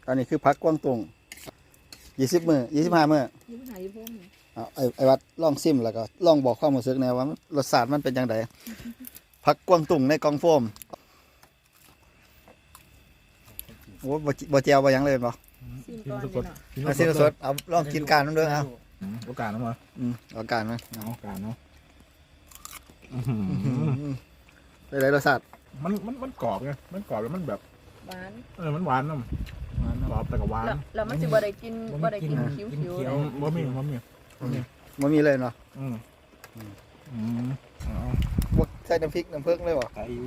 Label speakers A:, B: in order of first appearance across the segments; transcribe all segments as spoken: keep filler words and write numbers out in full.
A: อันนี้คือพักกวางตุงยี่สิบมือยี่สิบห้ามือ
B: ยี่สิบห้ายี่สิบหกนี่
A: เอาไอ้ไอ้วัดลองซิมแล้วก็ลองบอกความรู้สึกแนวว่ารสชาติมันเป็นยังไงพักกวางตุงในกล่องโฟมโอ้บ่บ่เจียวบ่หยังเลยบ่
B: ซิมก่อนเลยเนาะ
A: เอาซิมสดเอาลองกินการมันด้วยเอา
C: โอกาสนะมั้ง
A: อืมเอาการมัน
C: เอาโอกาสเนาะ
A: เป็นไรรสชาติ
C: มันมันมันกรอบไงมันกรอบแล้วมันแบบ
B: หวาน
C: เออมันหวานเนาะกรอบแต่ก็หวาน
B: แล้วแล้วมันจะบ่ได้กินบ่ได้กินคิ้วๆเลย
C: บ่มีบ่มีบ่มี
A: มันมีเลยเนาะ
C: อืมอืมเอา
A: พวกใส่น้ำพริกน้ำเพิ่งเลยบ่
C: ไก่อยู่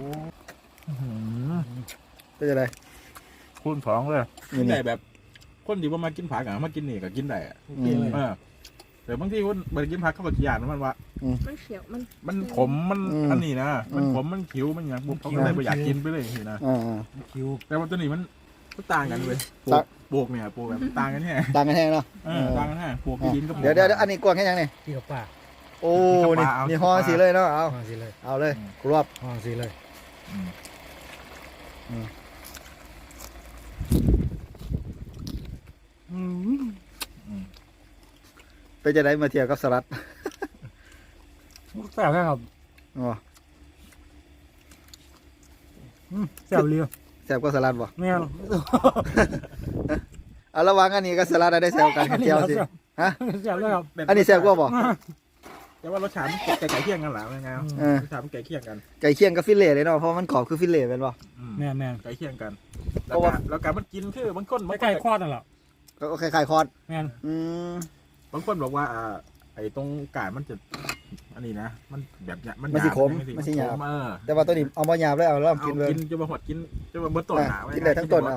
A: เป็นยังไง
C: คูณสองเลย
A: นี่
C: กิน
A: นี่
C: ได้แบบคนที่ว่ามากินผักอ่ะมากินนี่ก็กินได้อะ
A: อืม
C: เออแต่บางทีคนมากินผักเขาก็ขี้ยานมันว่า
B: มันเขียวมัน
C: มันขมมันอันนี้นะมันขมมันขิวมันอย่างบุกเขาก็เลยไม่อยากกินไปเลยทีนะ
A: อ่า
D: คิว
C: แต่ว่าตัวนี้มันมันต่างกันเลยปลู
A: ต่าง
C: กปลูกเนี่ยปลูกแบบต่างกันแค่
A: ต่างกันแห้งเนาะ
C: เออต่างกันแค่ปลูกที่ดินก็ปลูก
A: เดี๋ยวเดี๋ยวเดี๋ยวอันนี้กวางแค่ยังนี่
D: ที่กับป้า
A: โอ้
C: นี่
A: นี่
C: เอา
A: นี่ห่อสีเลยเนาะเอา
D: ห้องสิเลย
A: เอาเลยกรวบ
D: ห้องสิเลย
C: อืม
A: ไปจะได้มาเที่ยวกับสลัด
D: แซ่บแค่ครับ
A: อ๋อ
D: แซ่บเรียว
A: แซ่บก็สลัดบ่
D: แม่น
A: เอาระหวังอันนี้ก็สลัดได้แซวกันกับเจียวสิฮะ
D: แซ่บเลยครับ
A: อันนี้แซ่บกว่าบ่
C: แต่ว่ารสชาติมันไก่ไก่เคี่ยงกันหรอไง
A: เออ
C: รสชาติมันไก่เคี่ยงกัน
A: ไก่เคี่ยงกับฟิลเล่เลยเนาะเพราะมันกรอบคือฟิลเล่เป็นบ่
C: อืม
D: แม่นแม่น
C: ไก่เคี่ยงกัน
A: เพ
C: แล้ว
A: ราะ
C: ก็
A: ว่า
C: แล้วการมันกินคือบางคนบางค
D: ใกล้
C: น
D: ๆคลอดนั่นแหละ
A: ก็คล้ายๆคอร์ด
D: แม่น
A: อืม
C: บางคนบอกว่าอ่าไอ้ตรงกาดมันจะอันนี้นะมันแบบเนี้ยมัน
A: มันสิขม
C: หยาบ
A: มันสิหยาบ
C: เออ
A: แต่ว่าตัวนี้เอาบ่หยาบเลยเอาลอง
C: เอา
A: กินเลย
C: กินจะมาหดกินจะมาเบิ้ต้น
A: อ่ะ
C: หนาไว้
A: กินได้ทั้งต้นเอา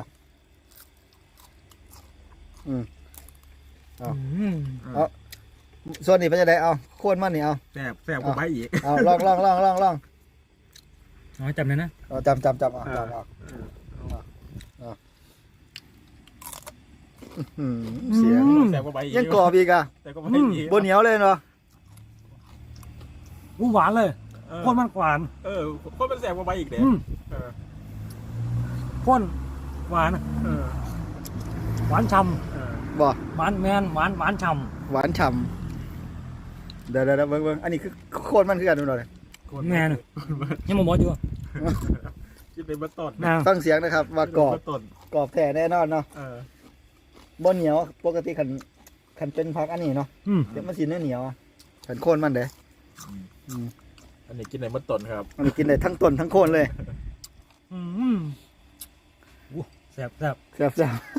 D: อืม
C: เออ
A: ส่วนนี้เป็นจะได้เอาโค่นมันนี่เอา
C: แซ่บแซ่บกว่าใบอีก
A: เอาลองลองลองลองลอง
D: เอาจำเลยนะ
A: เอาจำจำจำเอาจำเอาอืมเสียง
C: แซ่บกว่าใบอีก
A: ยังกรอบอีกอ่ะ
C: แซ่บกว่าใบอีก
A: บนเหนียวเลยเนาะ
D: อู้หวานเลย
C: เออ
D: ข้นมันหวาน
C: เออคนเป็นแซ่บกว่าใบอีกเด้
D: อืม
C: เออ
D: ข้นหวาน
C: เออ
D: หวานฉ่
C: เออ
A: บ่
D: ำหวานแมนหวานหวานฉ่
A: หวานฉ่ำเดี๋ยวเดี๋ยวเบิ่งเบิ่งอันนี้คือโคนมันคือกันดูหน่อย
D: ำแม่นยังมาบอกอยู่
C: กินเป็นเบิ้ต้น
D: นะ
A: ฟังเสียงนะครับว่ากรอบ
C: เบิ้ต้น
A: กรอบแท้แน่นอนเนาะ
C: เออบ
A: นเหนียวปกติขันขันเป็นพักอันนี้เนาะ
D: อืม
A: เดี๋ยวมันสีเนื้อเหนียวอะขันโคนมันเด้อืม
C: อันนี้กินในเบิ้ต้นครับ
A: มันกินได้ทั้งต้นทั้งโคนเลย
D: อืมอู้แซ่บแซ่บ
A: แซ่บ